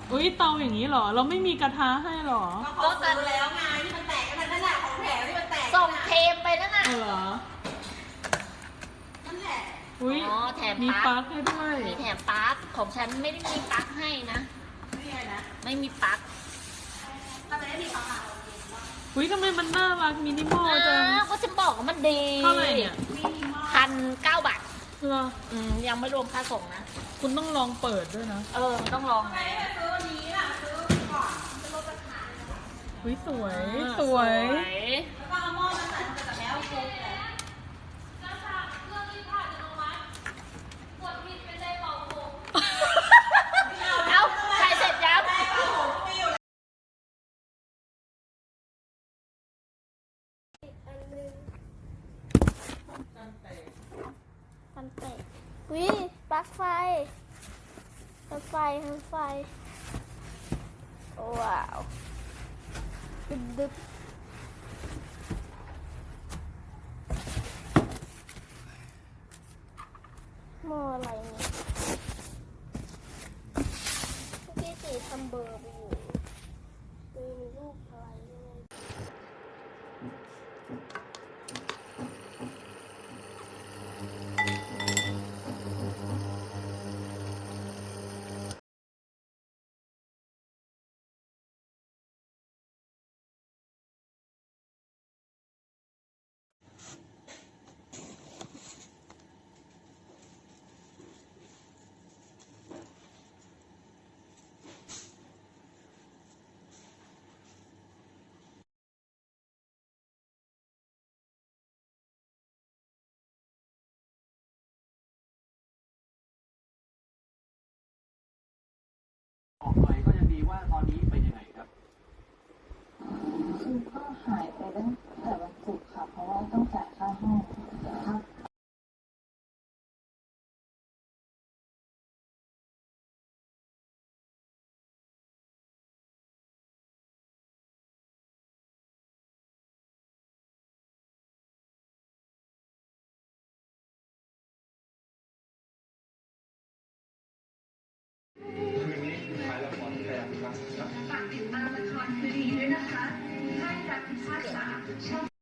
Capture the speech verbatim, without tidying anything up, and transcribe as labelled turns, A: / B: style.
A: อุ้ยเตาอย่างนี้เหรอเราไม่มีกระทะให้หรอ
B: ก็ซื้อแล้วไงที่มันแตกกันนั่นแหละของแถมที่มันแตก
C: ส่งเทมไปนั่นน่ะ
A: เหรอ
B: นั่นแหละ
A: อุ้ย
C: แถม
A: มีปลั๊กให้ด้วย
C: มีแถมปลั๊กของฉันไม่ได้มีปลั๊กให้นะ
B: ไม่มีนะ
C: ไม่มีปลั๊ก
B: ถ้าไม่ได้มีปลั๊กอ่ะ
A: อุ้ยทำไมมันน่ารักมินิมอลจัง
C: ก็จะบอกว่ามันดี
A: เท่าไหร่เนี่ย
C: พันเก้าบาท
A: เหรอ
C: อืมยังไม่รวมค่าส่งนะ
A: คุณต้องลองเปิดด้วยนะ
C: เออมันต้องลองไง
B: ซื้อวันนี้ล่ะซื้อก่อนจะลดราคา
A: อุ้ยสวยสวย
B: แล้วก็เอาหม้อมาใส่กับแล้วคุกเลย
C: เอาใส่เสร็จยัง
D: มันเตะวิปลั๊กไฟปลั๊กไฟปลั๊กไฟว้าวดึบดึบหม้ออะไรเนี่ยพี่ตีทำเบอร์ไปอยู่มีรูปอะไรด้วย
E: ออกหน่อยก็ยังดีว่าตอนนี้เป็นยังไงครับ
F: คือก็หายไปตั้งแต่วันศุกร์ค่ะเพราะว่าต้องจ่ายค่าห้องครับ
G: ฝากติดตามละครคืนนี้ด้วยนะคะค่ายรักพิพากษาช่อง